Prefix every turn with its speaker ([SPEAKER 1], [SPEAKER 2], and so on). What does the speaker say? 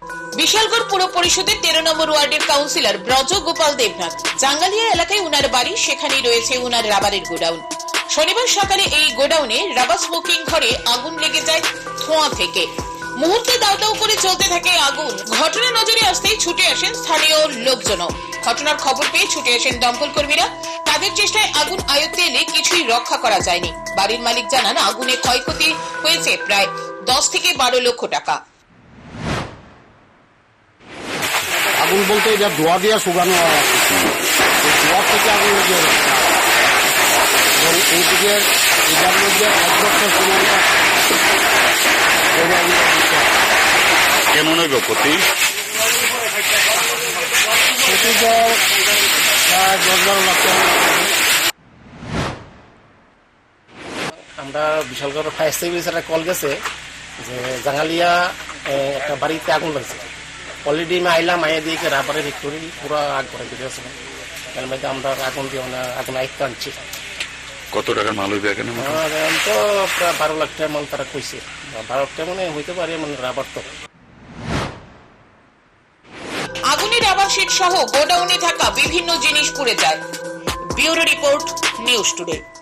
[SPEAKER 1] বিশালগড় পুর পরিষদের 13 নম্বর ওয়ার্ডের কাউন্সিলর ব্রজ গোপাল দেবনাথ জাঙ্গালিয়া এলাকায় উনার বাড়ি, সেখানেই রয়েছে উনার রাবারের গোডাউন। শনিবার সকালে এই গোডাউনে রাবার স্মোকিং ঘরে আগুন লেগে যায় ধোঁয়া থেকে। মুহূর্তে দাউ দাউ করে চলতে থাকে আগুন। ঘটনা নজরে আসতেই ছুটে আসেন স্থানীয় লোকজনও। ঘটনার খবর পেয়ে ছুটে আসেন দমকল কর্মীরা। তাদের চেষ্টায় আগুন আয়ত্তে এলে কিছুই রক্ষা করা যায়নি। বাড়ির মালিক জানান, আগুনে ক্ষয়ক্ষতি হয়েছে প্রায় 10 থেকে 12 লক্ষ টাকা।
[SPEAKER 2] আগুন বলতে এটা ধোয়া দিয়ে শুকানো ধোয়া থেকে আগুন লেগে যাচ্ছে এবং এইদিকে এটার মধ্যে 1 লক্ষ
[SPEAKER 3] কেমন হইব ক্ষতি?
[SPEAKER 2] ক্ষতি তো প্রায় 10-12 লাখ টাকা।
[SPEAKER 4] আমরা বিশালগড় ফায়ার সার্ভিস একটা কল গেছে যে জাঙ্গালিয়া একটা বাড়িতে আগুন লাগছে। অলরেডি আমি আইলাম, আইয়া দিয়ে রাবারের ফ্যাক্টরি পুরো আগ করে দিয়েছে। এর মধ্যে আমরা আগুন দিয়ে আগুন আয়ত্ত আনছি।
[SPEAKER 3] কত টাকার মাল হইবে এখানে?
[SPEAKER 4] তো প্রায় 12 লাখ টাকা মাল তারা কইছে। 12 লাখ টাকা মানে হইতে পারে, মানে রাবার তো।
[SPEAKER 1] আগুনে রাবার শিট সহ গোডাউনে থাকা বিভিন্ন জিনিস পুড়ে যায়। Bureau report, news today.